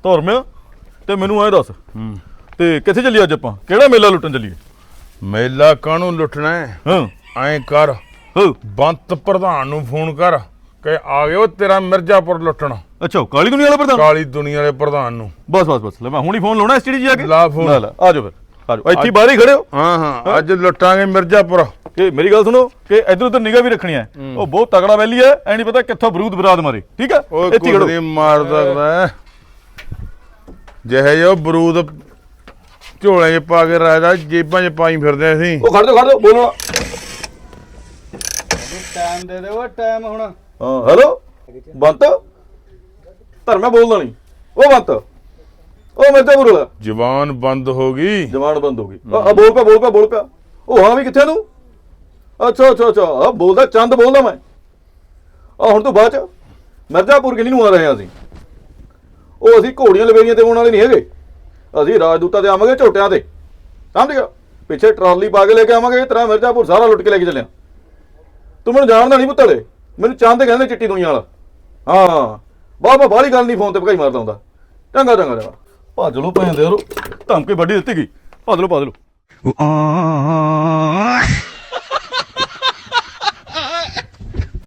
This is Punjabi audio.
ਧਰਮਿਆ ਤੇ ਮੈਨੂੰ ਐ ਦੱਸ ਤੇ ਕਿੱਥੇ ਚੱਲੀਏ ਅੱਜ ਆਪਾਂ? ਕਿਹੜਾ ਮੇਲਾ ਲੁੱਟਣ ਚੱਲੀਏ? ਮੇਲਾ ਕਾਹਨੂੰ ਲੁੱਟਣਾ ਹੈ? ਹਾਂ ਐਂ ਕਰ, ਬੰਤ ਪ੍ਰਧਾਨ ਨੂੰ ਫੋਨ ਕਰ ਕਿ ਆ ਗਿਓ ਤੇਰਾ ਮਿਰਜ਼ਾਪੁਰ ਲੁੱਟਣ। ਅੱਛਾ, ਕਾਲੀ ਦੁਨੀਆ ਵਾਲਾ ਪ੍ਰਧਾਨ? ਕਾਲੀ ਦੁਨੀਆ ਵਾਲੇ ਪ੍ਰਧਾਨ ਨੂੰ। ਬਸ ਲੈ ਮੈਂ ਹੁਣੀ ਫੋਨ ਲਾਉਣਾ ਐਸਟੀਡੀ ਜੀ ਆ ਕੇ। ਲਾ ਫੋਨ। ਆ ਜਾਓ ਫਿਰ, ਆ ਜਾਓ ਇੱਥੇ ਬਾਹਰ ਹੀ ਖੜੇ ਹੋ। ਹਾਂ ਅੱਜ ਲੁੱਟਾਂਗੇ ਮਿਰਜ਼ਾਪੁਰ। ਕਿ ਮੇਰੀ ਗੱਲ ਸੁਣੋ ਕਿ ਇੱਧਰ ਉੱਧਰ ਨਿਗਾਹ ਵੀ ਰੱਖਣੀ ਹੈ। ਉਹ ਬਹੁਤ ਤਗੜਾ ਵੈਲੀ ਹੈ, ਐ ਨਹੀਂ ਪਤਾ ਕਿੱਥੋਂ ਬਰੂਦ ਬਰਾਦ ਮਾਰੇ। ਠੀਕ ਹੈ, ਇੱਥੇ ਖੜੋ। ਮਾਰ ਸਕਦਾ ਜਿਹੇ ਜੋ ਬਰੂਦ ਝੋਲੇ 'ਚ ਪਾ ਕੇ ਰਾਜਦਾ ਜੇਬਾਂ 'ਚ ਪਾਈ ਫਿਰਦੇ ਅਸੀਂ। ਉਹ ਖੜ ਜਾਓ ਬੋਲੋ। ਟਾਈਮ ਦੇ ਦਿਓ ਟਾਈਮ ਹੁਣ। ਹਾਂ ਹੈਲੋ ਬੰਤ, ਧਰਮਿਆ ਬੋਲਦਾ ਨਹੀਂ। ਉਹ ਬੰਤ, ਉਹ ਮਿਰਜ਼ਾਪੁਰ ਵਾਲਾ। ਜ਼ਬਾਨ ਬੰਦ ਹੋ ਗਈ। ਜ਼ਬਾਨ ਬੰਦ ਹੋ ਗਈ। ਬੋਲ ਪਿਆ। ਉਹ ਹਾਂ ਵੀ ਕਿੱਥੇ ਨੂੰ? ਅੱਛਾ ਆ ਬੋਲਦਾ ਚੰਦ ਬੋਲਦਾ ਮੈਂ। ਹੁਣ ਤੋਂ ਬਾਅਦ ਚ ਮਿਰਜ਼ਾਪੁਰ ਕਿੰਨੀ ਨੂੰ ਆ ਰਹੇ ਹਾਂ ਅਸੀਂ? ਉਹ ਅਸੀਂ ਘੋੜੀਆਂ ਲਵੇਰੀਆਂ ਤੇ ਆਉਣ ਵਾਲੇ ਨਹੀਂ ਹੈਗੇ। ਅਸੀਂ ਰਾਜਦੂਤਾਂ ਤੇ ਆਵਾਂਗੇ, ਝੋਟਿਆਂ ਤੇ। ਸਮਝ ਗਿਆ? ਪਿੱਛੇ ਟਰਾਲੀ ਪਾ ਕੇ ਲੈ ਕੇ ਆਵਾਂਗੇ। ਤੇਰਾ ਮਿਰਜ਼ਾਪੁਰ ਸਾਰਾ ਲੁੱਟ ਕੇ ਲੈ ਕੇ ਚੱਲਿਆ। ਤੂੰ ਮੈਨੂੰ ਜਾਣਦਾ ਨਹੀਂ ਪੁੱਤਲੇ, ਮੈਨੂੰ ਚੰਦ ਕਹਿੰਦੇ ਚਿੱਟੀ ਦੁਨੀਆ ਵਾਲਾ। ਹਾਂ ਬਾਹਲੀ ਗੱਲ ਨਹੀਂ, ਫੋਨ ਤੇ ਭਕਾਈ ਮਾਰਦਾ ਹੁੰਦਾ। ਚੰਗਾ ਭੱਜ ਲਓ ਭੈਣ ਦੇ ਯਾਰੋ, ਧਮਕੀ ਵੱਡੀ ਦਿੱਤੀ ਗਈ। ਭੱਜ ਲਓ